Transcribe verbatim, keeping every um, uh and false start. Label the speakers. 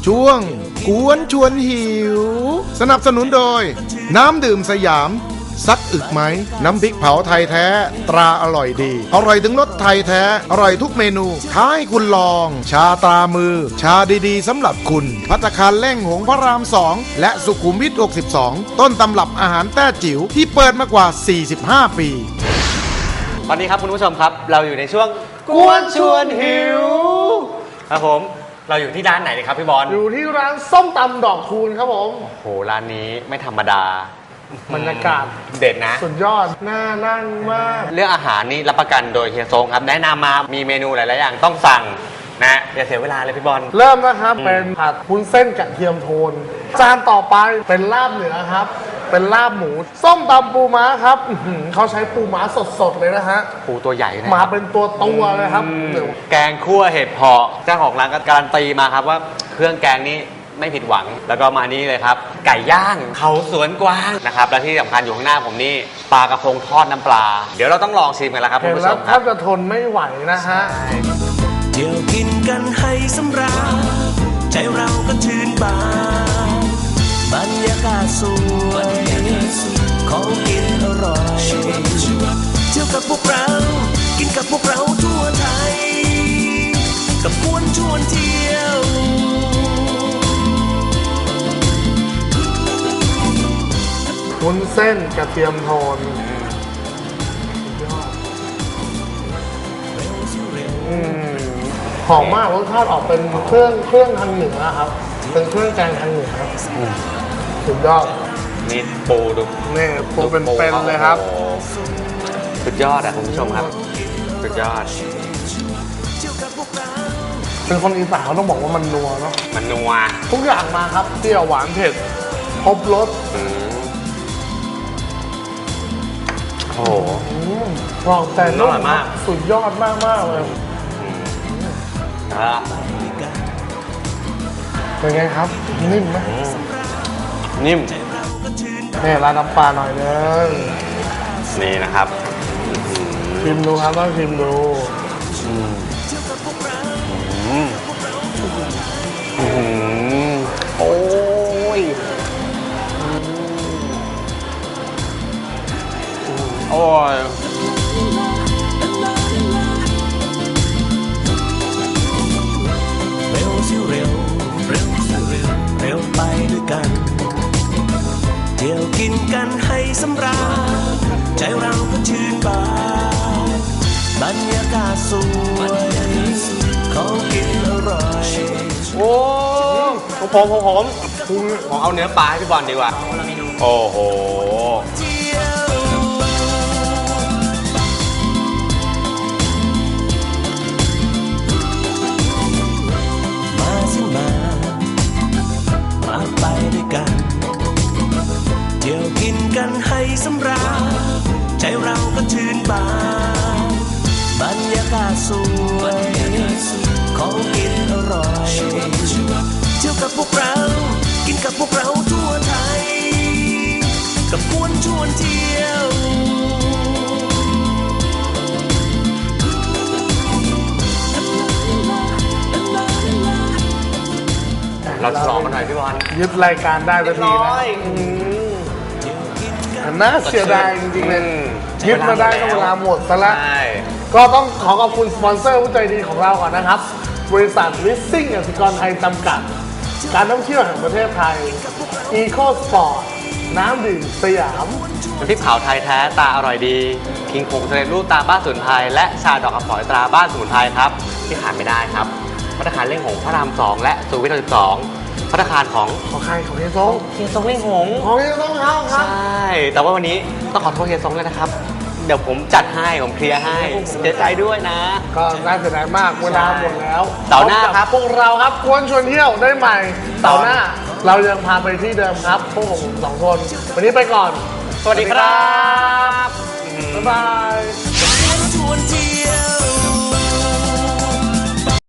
Speaker 1: ช่วงกวนชวนหิวสนับสนุนโดยน้ำดื่มสยามซักอึกไหมน้ำพริกเผาไทยแท้ตราอร่อยดีอร่อยถึงรสไทยแท้อร่อยทุกเมนูท้าให้คุณลองชาตรามือชาดีๆสำหรับคุณภัตตาคารเล่งหงพระรามสองและสุขุมวิทหกสิบสองต้นตำรับอาหารแต้จิ๋วที่เปิดมากว่าสี่สิบห้าปี
Speaker 2: ตอนนี้ครับคุณผู้ชมครับเราอยู่ในช่วงกวนชวนหิวครับผมเราอยู่ที่ร้านไหนครับพี่บอล
Speaker 3: อยู่ที่ร้านส้มตำดอกคูณครับผม
Speaker 2: โอ้โหร้านนี้ไม่ธรรมดา
Speaker 3: บรรยากาศ
Speaker 2: เด็ดนะ
Speaker 3: สุดยอดน่านั่งมาก
Speaker 2: เรื่องอาหารนี่รับประกันโดยเฮียทรงครับแนะนำมามีเมนูหลายๆอย่างต้องสั่งนะอย่าเสียเวลาเลยพี่บอล
Speaker 3: เริ่มนะครับเป็นผัดวุ้นเส้นกระเทียมโทนจานต่อไปเป็นลาบเหนือครับเป็นลาบหมูส้มตำปูม้าครับเขาใช้ปูม้าสดๆเลยนะฮะ
Speaker 2: ปูตัวใหญ่นะ
Speaker 3: มาเป็นตัวตัวเลยครับ
Speaker 2: แกงคั่วเห็ดเผาะเจ้าของร้านก็การันตีมาครับว่าเครื่องแกงนี้ไม่ผิดหวังแล้วก็มานี่เลยครับไก่ย่างเขาสวนกวางนะครับและที่สำคัญอยู่ข้างหน้าผมนี่ปลากระพงทอดน้ำปลาเดี๋ยวเราต้องลองชิมกันแล้วครับคุณผู้ชมครับ
Speaker 3: แทบจะทนไม่ไหวนะฮะ
Speaker 4: เดี๋ยวกินกันให้สำราญใจเราก็ชื่นบานบรรยากาศสวยของกินอร่อยเที่ยวกับพวกเรากินกับพวกเราทั่วไทยกับกวนชวนเที่ยว
Speaker 3: วุ้นเส้นกระเทียมโทนหอมมากรสชาติออกเป็นเครื่องเครื่องทางเหนือครับเป็นเครื่องแกงทางเหนือครับสุดยอด
Speaker 2: นี่ปูดู
Speaker 3: นี่ปูเป็นๆเลยครับ
Speaker 2: สุดยอดอ่ะคุณผู้ชมครับสุดยอด
Speaker 3: เป็นคนอีสานเขาต้องบอกว่ามันนัวเนาะ
Speaker 2: มันนัว
Speaker 3: ทุกอย่างมาครับเปรี้ยวหวานเผ็ดครบรส
Speaker 2: โอ้โห
Speaker 3: ลองแต่
Speaker 2: นุ่มมาก
Speaker 3: สุดยอดมากมากเลยเป็นไงครับนิ่มไหม
Speaker 2: นิ่ม
Speaker 3: นี่ร้านน้ำปลาหน่อยนึง
Speaker 2: นี่นะครับ
Speaker 3: ชิมดูครับต้องชิมดู
Speaker 2: โอ้ยโอ้ย
Speaker 4: เร็วสิเร็วเร็วสิเร็วเร็วไปด้วยกันเที่ยวกินกันให้สำราญใจเราก็ชื่นบานบรรยากาศสวยของกินอร่อย
Speaker 2: โอ้ผมผมผมผมผมเอาเนื้อปลาให้พี่บอลดีกว่าโอ้โห
Speaker 4: มาสิมามาไปด้วยกันเที่ยวกินกันให้สำราญใจเราก็ชื่นบานบรรยากาศสวยของกินอร่อยเที่ยวกับพวกเรากินกับพวกเราทั่วไทยกับกวนชวนเที่ยว
Speaker 2: เราฉลองกันหน่อยพี่บอล
Speaker 3: ยึดรายการได้ทันทีนะน่าเสียดายจริงๆเลยยึดมาได้ก็เวลาหมดซะแล้วก็ต้องขอขอบคุณสปอนเซอร์ผู้ใจดีของเราก่อนนะครับบริษัทลิสซิ่งกสิกรไทยจำกัดการท่องเที่ยวแห่งประเทศไทยอีโคสปอร์ตน้ำดื่มสยาม
Speaker 2: น้ำพริกเผาไทยแท้ตาอร่อยดีคิงคงสำเร็จรูปตาบ้านสมุนไพรและชาดอกคำฝอยตราบ้านสมุนไพรครับที่ขาดไม่ได้ครับภัตตาคารเล่งหงพระรามสองและสุขุมวิทสิบสองภัตตาคารของ
Speaker 3: ของใครของเฮียซง
Speaker 2: เฮียซงเล่งหง
Speaker 3: ของเฮียซงครับ
Speaker 2: ใช่แต่ว่าวันนี้ต้องขอโทษเฮียซงเลยนะครับเดี๋ยวผมจัดให้ผมเคลียร์ให้เสียใจด้วยนะ
Speaker 3: ก็น่าเสียดายมากเวลาหมดแล้ว
Speaker 2: เสาร์หน้าครับ
Speaker 3: พวกเราครับกวนชวนเที่ยวได้ใหม่เสาร์หน้าเรายังพาไปที่เดิมครับพวกผมสองคนวันนี้ไปก่อน
Speaker 2: สวัสดีครับ
Speaker 3: บ๊ายบาย